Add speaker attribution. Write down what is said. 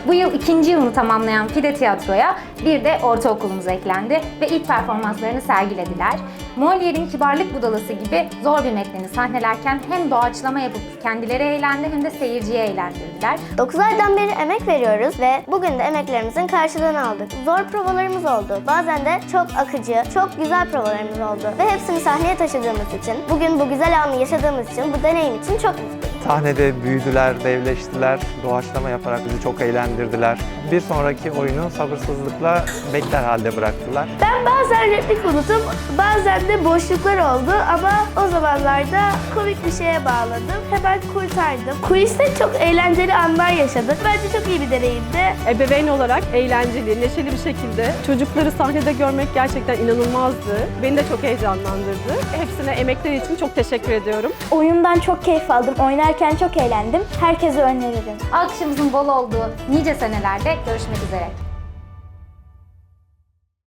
Speaker 1: Bu yıl 2. yılını tamamlayan Fide Tiyatro'ya bir de ortaokulumuz eklendi ve ilk performanslarını sergilediler. Molière'in Kibarlık Budalası gibi zor bir metnini sahnelerken hem doğaçlama yapıp kendileri eğlendi hem de seyirciyi eğlendirdiler.
Speaker 2: 9 aydan beri emek veriyoruz ve bugün de emeklerimizin karşılığını aldık. Zor provalarımız oldu. Bazen de çok akıcı, çok güzel provalarımız oldu. Ve hepsini sahneye taşıdığımız için, bugün bu güzel anı yaşadığımız için, bu deneyim için çok mutluyum.
Speaker 3: Sahnede büyüdüler, devleştiler, doğaçlama yaparak bizi çok eğlendirdiler. Bir sonraki oyunu sabırsızlıkla bekler halde bıraktılar.
Speaker 4: Ben bazen replik unutup bazen de boşluklar oldu ama o zamanlarda komik bir şeye bağladım. Hemen kurtardım. Kuliste çok eğlenceli anlar yaşadık. Bence çok iyi bir deneyimdi.
Speaker 5: Ebeveyn olarak eğlenceli, neşeli bir şekilde çocukları sahnede görmek gerçekten inanılmazdı. Beni de çok heyecanlandırdı. Hepsine emekleri için çok teşekkür ediyorum.
Speaker 6: Oyundan çok keyif aldım. Oynarken çok eğlendim. Herkese öneririm.
Speaker 1: Alkışımızın bol olduğu nice senelerde görüşmek üzere.